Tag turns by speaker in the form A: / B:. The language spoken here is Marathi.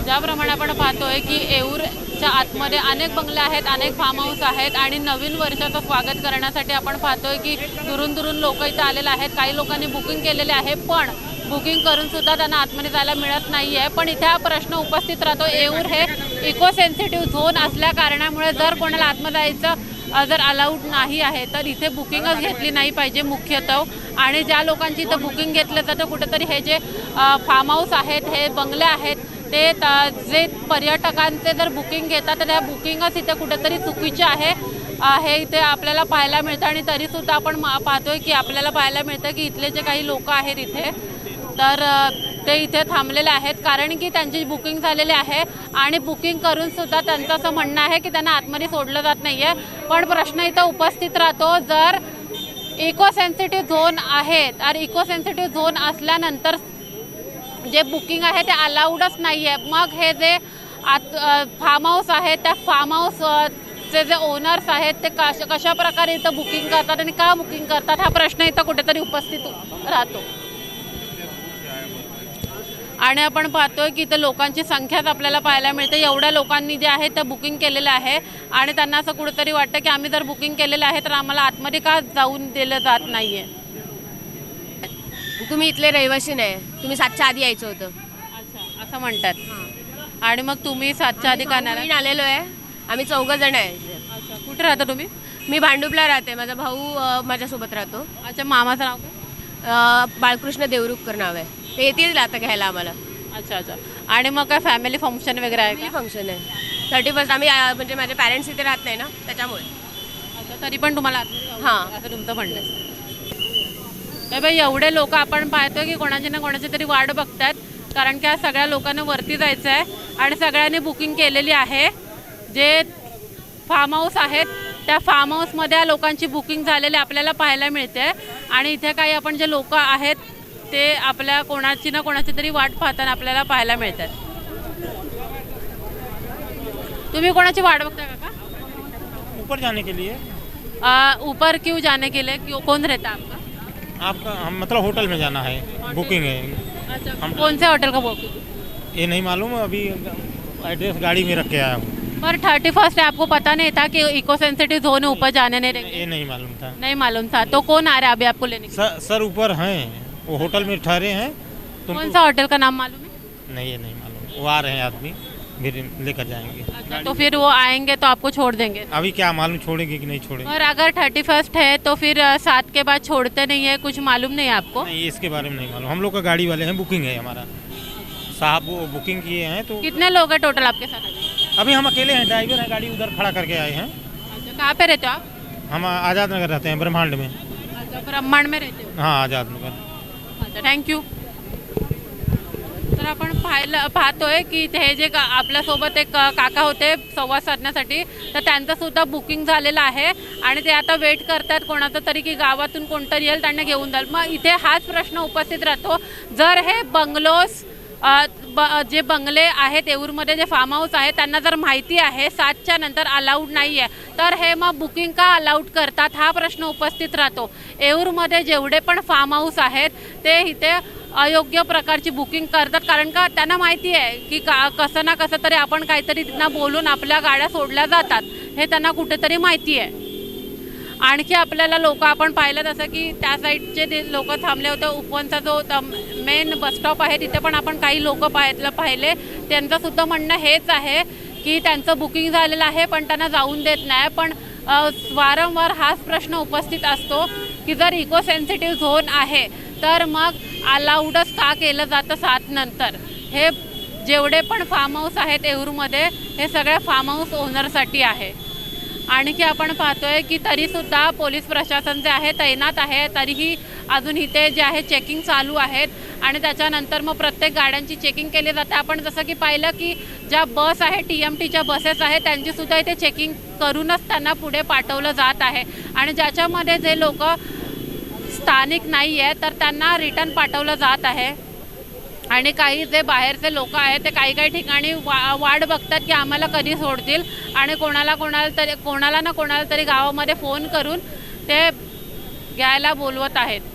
A: ज्याप्रमाणे आपण पाहतोय की येऊरच्या आतमध्ये अनेक बंगले आहेत, अनेक फार्म हाऊस आहेत आणि नवीन वर्षाचं स्वागत करण्यासाठी आपण पाहतोय की दुरून दुरून लोक इथे आलेले आहेत। काही लोकांनी बुकिंग केलेले आहे, पण बुकिंग करून सुद्धा त्यांना आतमध्ये जायला मिळत नाही आहे। पण इथे हा प्रश्न उपस्थित राहतो, येऊर हे इको सेन्सिटिव्ह झोन असल्या कारणामुळे जर कोणाला आतमध्ये जायचं जर अलाउड नाही आहे तर इथे बुकिंगच घेतली नाही पाहिजे मुख्यतः। आणि ज्या लोकांची इथं बुकिंग घेतलं जातं कुठेतरी हे जे फार्म हाऊस आहेत, हे बंगले आहेत, ते जे पर्यटकांचे जर बुकिंग घेतात तर त्या बुकिंगच इथे कुठेतरी चुकीचे आहे हे इथे आपल्याला पाहायला मिळतं। आणि तरीसुद्धा आपण पाहतोय की आपल्याला पाहायला मिळतं की इथले जे काही लोक आहेत इथे तर ते इथे थांबलेले आहेत, कारण की त्यांची बुकिंग झालेली आहे आणि बुकिंग करून सुद्धा त्यांचं असं म्हणणं आहे की त्यांना आतमध्ये सोडलं जात नाही आहे। पण प्रश्न इथं उपस्थित राहतो, जर इको सेन्सिटिव्ह झोन आहे तर इको सेन्सिटिव्ह झोन असल्यानंतर जे बुकिंग आहे ते अलाउडच नाही आहे, मग हे जे फार्म हाऊस आहे त्या फार्म हाऊसचे जे ओनर्स आहेत ते कशा प्रकारे इथं बुकिंग करतात आणि का बुकिंग करतात हा प्रश्न इथं कुठेतरी उपस्थित राहतो। आणि आपण पाहतोय की इथं लोकांची संख्याच आपल्याला पाहायला मिळते, एवढ्या लोकांनी जे आहे ते बुकिंग केलेलं आहे आणि त्यांना असं कुठेतरी वाटतं की आम्ही जर बुकिंग केलेलं आहे तर आम्हाला आतमध्ये का जाऊन दिलं जात नाही आहे।
B: तुम्ही इथले रहिवासी नाही, तुम्ही 7च्या आधी यायचं होतं।
A: अच्छा, असं म्हणतात। आणि मग तुम्ही 7च्या आधी का नाही
B: आलेलो आहे, आम्ही 4 जण आहे।
A: अच्छा, कुठे राहता तुम्ही?
B: मी भांडुपला राहते, माझा भाऊ माझ्यासोबत राहतो।
A: अच्छा, मामाचं नाव काय?
B: बाळकृष्ण देवरुखकर नाव आहे, ते येतील आता घ्यायला आम्हाला।
A: अच्छा अच्छा, आणि मग काय फॅमिली फंक्शन वगैरे आहे का?
B: फंक्शन आहे 31st, आम्ही म्हणजे माझे पॅरेंट्स इथे राहत नाही ना त्याच्यामुळे।
A: अच्छा, तरी पण तुम्हाला
B: हां
A: असं तुमचं म्हणणं आहे? तर बाई एवढे लोक आपण पाहतो की कोणाची ना कोणाची तरी वाट बघतात, कारण की आज सगळ्या लोकांना वरती जायचं आहे आणि सगळ्यांनी बुकिंग केलेली आहे। जे फार्म हाऊस आहेत त्या फार्म हाऊसमध्ये लोकांची बुकिंग झालेली आपल्याला पाहायला मिळते आणि इथे काही आपण जे लोक आहेत ते आपल्या कोणाची ना कोणाची तरी वाट पाहताना आपल्याला पाहायला मिळतात। तुम्ही कोणाची वाट बघता का?
C: ऊपर जाने के लिए।
A: ऊपर क्यों जाने के लिए? क्यों, कौन रहता है आपका?
C: आपका हम मतलब होटल में जाना है, बुकिंग है।
A: अच्छा,
C: हम
A: कौन से होटल का बुकिंग?
C: ये नहीं मालूम, अभी एड्रेस गाड़ी में रख के आया हूँ।
A: पर 31st है, आपको पता नहीं था कि इको सेंसिटिव जोन है, ऊपर जाने नहीं देंगे?
C: ये नहीं मालूम था।
A: नहीं मालूम था, तो कौन आ रहा है अभी आपको लेने के लिए?
C: सर ऊपर हैं, वो होटल में ठहरे हैं।
A: कौन सा होटल का नाम मालूम है?
C: नहीं, ये नहीं मालूम, वो आ रहे हैं आदमी, फिर लेकर जाएंगे।
A: अच्छा, तो फिर वो आएंगे तो आपको छोड़ देंगे?
C: अभी क्या मालूम छोड़ेंगे कि नहीं छोड़ेंगे।
A: और अगर 31st है तो फिर 7 के बाद छोड़ते नहीं है, कुछ मालूम नहीं है आपको?
C: नहीं, इसके बारे में नहीं मालूम, हम लोग का गाड़ी वाले हैं, बुकिंग है हमारा साहब, वो बुकिंग किए हैं। तो
A: कितने लोग हैं टोटल आपके साथ?
C: अभी हम अकेले हैं, ड्राइवर है, गाड़ी उधर खड़ा करके आए हैं।
A: अच्छा, कहाँ पे रहते हो आप?
C: हम आज़ाद नगर रहते हैं, ब्रह्मांड में।
A: अच्छा, ब्रह्मांड में रहते हो?
C: हाँ, आज़ाद नगर।
A: अच्छा, थँक्यू। तर आपण पाहतोय की हे जे आपल्यासोबत एक काका होते संवाद साधण्यासाठी, तर त्यांचं सुद्धा बुकिंग झालेलं आहे आणि ते आता वेट करतात कोणाचं तरी की गावातून कोणतरी येईल त्यांना घेऊन जाईल। मग इथे हाच प्रश्न उपस्थित राहतो, जर हे बंगलोज जे बंगले आहेत येऊरमध्ये जे फार्म हाऊस आहे त्यांना जर माहिती आहे 7च्या नंतर अलाउड नाही आहे तर हे मग बुकिंग का अलाउड करतात हा प्रश्न उपस्थित राहतो। येऊरमध्ये जेवढे पण फार्म हाऊस आहेत ते इथे अयोग्य प्रकारची बुकिंग करतात, कारण का त्यांना माहिती आहे की कसं ना कसं तरी आपण काहीतरी त्यांना बोलून आपल्या गाड्या सोडल्या जातात, हे त्यांना कुठेतरी माहिती आहे। आणखी आपल्याला लोक आपण पाहिलं तसं की त्या साईडचे लोक थांबले होते, उपवनचा जो मेन बसस्टॉप आहे तिथे पण आपण काही लोक पाहिले, त्यांचं सुद्धा म्हणणं हेच आहे की त्यांचं बुकिंग झालेलं आहे पण त्यांना जाऊन देत नाही। पण वारंवार हाच प्रश्न उपस्थित असतो की जर इको सेन्सिटिव्ह झोन आहे तर मग अलाउडच का केलं जातं 7 नंतर? हे जेवढे पण फार्म हाऊस आहेत येऊरमध्ये हे सगळ्या फार्म हाऊस ओनरसाठी आहे। आणखी आपण पाहतोय की तरीसुद्धा पोलीस प्रशासन जे आहे तैनात आहे, तरीही अजून इथे जे आहे चेकिंग चालू आहेत आणि त्याच्यानंतर मग प्रत्येक गाड्यांची चेकिंग केली जाते। आपण जसं की पाहिलं की ज्या बस आहे TMTच्या बसेस आहेत त्यांचीसुद्धा इथे चेकिंग करूनच त्यांना पुढे पाठवलं जात आहे आणि ज्याच्यामध्ये जे लोक स्थानिक नाही आहे तर त्यांना रिटर्न पाठवलं जात आहे। आणि काही जे बाहेरचे लोक आहेत ते काही ठिकाणी वाट बघतात की आम्हाला कधी सोडतील आणि कोणाला ना कोणाला तरी गावामध्ये फोन करून ते घ्यायला बोलवत आहेत।